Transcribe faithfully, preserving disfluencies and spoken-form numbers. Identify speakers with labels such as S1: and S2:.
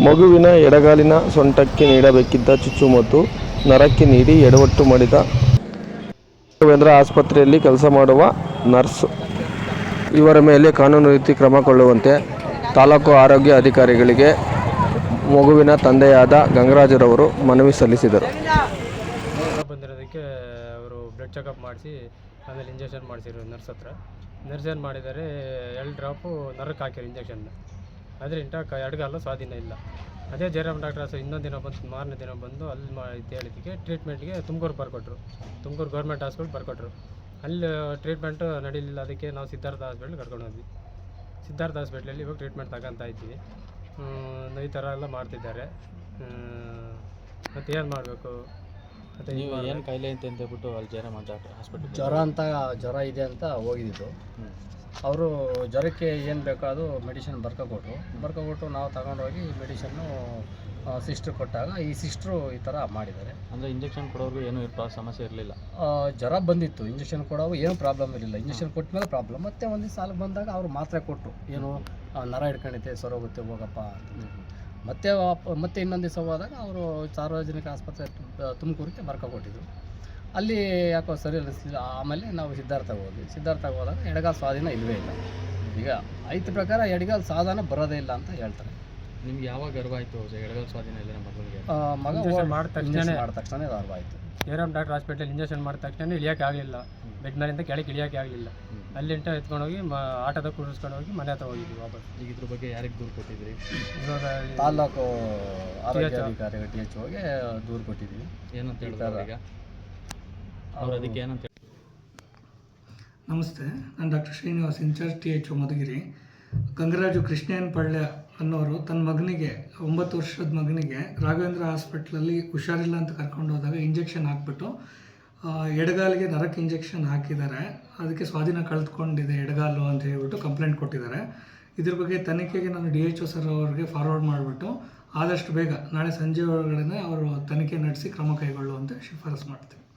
S1: ಮಗುವಿನ ಎಡಗಾಲಿನ ಸೊಂಟಕ್ಕೆ ನೀಡಬೇಕಿದ್ದ ಚುಚ್ಚುಮದ್ದು ನರಕ್ಕೆ ನೀಡಿ ಎಡವಟ್ಟು ಮಾಡಿದ ರಾಘವೇಂದ್ರ ಆಸ್ಪತ್ರೆಯಲ್ಲಿ ಕೆಲಸ ಮಾಡುವ ನರ್ಸ್. ಇವರ ಮೇಲೆ ಕಾನೂನು ರೀತಿ ಕ್ರಮ ಕೊಳ್ಳುವಂತೆ ತಾಲೂಕು ಆರೋಗ್ಯ ಅಧಿಕಾರಿಗಳಿಗೆ ಮಗುವಿನ ತಂದೆಯಾದ ಗಂಗರಾಜರವರು ಮನವಿ ಸಲ್ಲಿಸಿದರು.
S2: ಬಂದಿರೋದಕ್ಕೆ ಅವರು ಬ್ಲಡ್ ಚೆಕಪ್ ಮಾಡಿಸಿ ಆಮೇಲೆ ಇಂಜೆಕ್ಷನ್ ಮಾಡಿಸಿದ್ರು ನರ್ಸ್ ಹತ್ರ. ನರ್ಸ್ ಏನು ಮಾಡಿದ್ದಾರೆ, ಎರಡು ಡ್ರಾಪು ನರಕ್ಕೆ ಹಾಕಿರು ಇಂಜೆಕ್ಷನ್. ಆದರೆ ಇಂಟ ಎಡಗಾಲು ಸ್ವಾಧೀನ ಇಲ್ಲ. ಅದೇ ಜಯರಾಮ್ ಡಾಕ್ಟರ್ಸ್ ಇನ್ನೊಂದು ದಿನ ಬಂದು ಮಾರನೇ ದಿನ ಬಂದು ಅಲ್ಲಿ ಮಾ ಇದು ಹೇಳಿದ್ದಕ್ಕೆ ಟ್ರೀಟ್ಮೆಂಟ್ಗೆ ತುಮಕೂರು ಬರ್ಕೊಟ್ರು. ತುಮಕೂರು ಗೌರ್ಮೆಂಟ್ ಹಾಸ್ಪಿಟ್ಲ್ ಬರ್ಕೊಟ್ರು. ಅಲ್ಲಿ ಟ್ರೀಟ್ಮೆಂಟು ನಡೀಲಿಲ್ಲ. ಅದಕ್ಕೆ ನಾವು ಸಿದ್ಧಾರ್ಥ ಹಾಸ್ಪಿಟ್ಲ್ ಕರ್ಕೊಂಡು ಹೋದ್ವಿ. ಸಿದ್ಧಾರ್ಥ ಹಾಸ್ಪಿಟ್ಲಲ್ಲಿ ಇವಾಗ ಟ್ರೀಟ್ಮೆಂಟ್ ತಗೊತಾ ಇದ್ದೀವಿ. ಈ ಥರ ಎಲ್ಲ ಮಾಡ್ತಿದ್ದಾರೆ. ಮತ್ತು ಏನು ಮಾಡಬೇಕು ಮತ್ತು
S3: ನೀವು ಏನು ಕಾಯಿಲೆ ಅಂತ ಅಂತೇಳ್ಬಿಟ್ಟು ಅಲ್ಲಿ ಜಯರಾಮ್ ಡಾಕ್ಟರ್ ಹಾಸ್ಪಿಟ್ಲ್
S4: ಜ್ವರ ಅಂತ ಜ್ವರ ಇದೆ ಅಂತ ಹೋಗಿದ್ದು. ಅವರು ಜ್ವರಕ್ಕೆ ಏನು ಬೇಕೋ ಅದು ಮೆಡಿಸಿನ್ ಬರ್ಕೊಕೊಟ್ರು. ಬರ್ಕೊಕೊಟ್ಟು ನಾವು ತಗೊಂಡೋಗಿ ಮೆಡಿಷನ್ನು ಸಿಸ್ಟ್ರು ಕೊಟ್ಟಾಗ ಈ ಸಿಸ್ಟ್ರು ಈ ಥರ ಮಾಡಿದ್ದಾರೆ.
S3: ಅಂದರೆ ಇಂಜೆಕ್ಷನ್ ಕೊಡೋರ್ಗೂ ಏನೂ ಇರ್ಪ ಸಮಸ್ಯೆ ಇರಲಿಲ್ಲ.
S4: ಜ್ವರ ಬಂದಿತ್ತು, ಇಂಜೆಕ್ಷನ್ ಕೊಡೋವು ಏನು ಪ್ರಾಬ್ಲಮ್ ಇರಲಿಲ್ಲ. ಇಂಜೆಕ್ಷನ್ ಕೊಟ್ಟ ಮೇಲೆ ಪ್ರಾಬ್ಲಮ್. ಮತ್ತೆ ಒಂದು ಸಾಲ ಬಂದಾಗ ಅವರು ಮಾತ್ರೆ ಕೊಟ್ಟರು, ಏನು ನರ ಹಿಡ್ಕೊಂಡಿದ್ದೆ ಸರೋಗುತ್ತೆ ಹೋಗಪ್ಪ ಅಂತ. ಮತ್ತೆ ಮತ್ತೆ ಇನ್ನೊಂದು ದಿವಸ ಹೋದಾಗ ಅವರು ಸಾರ್ವಜನಿಕ ಆಸ್ಪತ್ರೆ ತುಮಕೂರಿಗೆ ಬರ್ಕೊಟ್ಟಿದ್ರು. ಅಲ್ಲಿ ಯಾಕೋ ಸರಿ ಅನ್ನಿಸ್ಲಿಲ್ಲ. ಆಮೇಲೆ ನಾವು ಸಿದ್ಧಾರ್ಥಗೆ ಹೋದ್ವಿ. ಸಿದ್ಧಾರ್ಥಗೆ ಹೋದಾಗ ಎಡಗಾಲು ಸ್ವಾಧೀನ ಇಲ್ಲವೇ ಇಲ್ಲ. ಈಗ ಐದು ಪ್ರಕಾರ ಎಡಗಾಲು ಸಾಧನ ಬರೋದೇ ಇಲ್ಲ ಅಂತ ಹೇಳ್ತಾರೆ.
S3: ನಿಮ್ಗೆ ಯಾವಾಗ ಗರ್ವ ಆಯಿತು ಎಡಗಾಲು ಸ್ವಾಧೀನ ಇಲ್ಲ ನಮ್ಮ ಮಗನಿಗೆ?
S2: ಮಗ ಮಾಡಿದ ತಕ್ಷಣ
S4: ಮಾಡಿದ ತಕ್ಷಣ ಗರ್ವ ಆಯಿತು.
S2: ಜಯರಾಮ್ ಡಾಕ್ಟರ್ ಹಾಸ್ಪಿಟಲ್ ಇಂಜೆಕ್ಷನ್ ಮಾಡಿದ ತಕ್ಷಣ ಇಳಿಯೋಕ್ಕೆ ಆಗಲಿಲ್ಲ. ಬೆಡ್ ಮೇಲಿಂದ ಕೆಳಗೆ ಇಳಿಯೋಕ್ಕೆ ಆಗಲಿಲ್ಲ. ಅಲ್ಲಿಂಟ ಎತ್ಕೊಂಡೋಗಿ ಮ ಆಟೋದಾಗ ಕೂರಿಸ್ಕೊಂಡು ಹೋಗಿ ಮನೆ ಹತ್ರ ಹೋಗಿದ್ವಿ ವಾಪಸ್.
S3: ಈಗ ಇದ್ರ ಬಗ್ಗೆ ಯಾರಿಗೆ ದೂರು ಕೊಟ್ಟಿದ್ರಿ?
S2: ಇವಾಗ
S4: ತಾಲ್ಲೂಕು ಆರೋಗ್ಯಾಧಿಕಾರಿ ಟಿ ಎಚ್ ಓಗೆ ದೂರು ಕೊಟ್ಟಿದ್ದೀವಿ.
S3: ಏನಂತ ಹೇಳ್ತಾರೆ ಈಗ ಅವ್ರು? ಅದಕ್ಕೆ ಏನಂತ ಹೇಳಿ?
S5: ನಮಸ್ತೆ, ನಾನು doctor Srinivas, incharge T H O Madhugiri. Gangaraju ಕೃಷ್ಣಯ್ಯನ ಪಳ್ಯ ಅನ್ನೋರು ತನ್ನ ಮಗನಿಗೆ, ಒಂಬತ್ತು ವರ್ಷದ ಮಗನಿಗೆ ರಾಘವೇಂದ್ರ ಹಾಸ್ಪಿಟ್ಲಲ್ಲಿ ಹುಷಾರಿಲ್ಲ ಅಂತ ಕರ್ಕೊಂಡು ಹೋದಾಗ ಇಂಜೆಕ್ಷನ್ ಹಾಕ್ಬಿಟ್ಟು ಎಡಗಾಲಿಗೆ ನರಕ್ಕೆ ಇಂಜೆಕ್ಷನ್ ಹಾಕಿದ್ದಾರೆ. ಅದಕ್ಕೆ ಸ್ವಾಧೀನ ಕಳೆದುಕೊಂಡಿದೆ ಎಡಗಾಲು ಅಂತ ಹೇಳ್ಬಿಟ್ಟು ಕಂಪ್ಲೇಂಟ್ ಕೊಟ್ಟಿದ್ದಾರೆ. ಇದ್ರ ಬಗ್ಗೆ ತನಿಖೆಗೆ ನಾನು ಡಿ ಎಚ್ ಒ ಸರ್ ಅವ್ರಿಗೆ ಫಾರ್ವರ್ಡ್ ಮಾಡಿಬಿಟ್ಟು ಆದಷ್ಟು ಬೇಗ ನಾಳೆ ಸಂಜೆ ಒಳಗಡೆ ಅವರು ತನಿಖೆ ನಡೆಸಿ ಕ್ರಮ ಕೈಗೊಳ್ಳುವಂತೆ ಶಿಫಾರಸು ಮಾಡ್ತೀವಿ.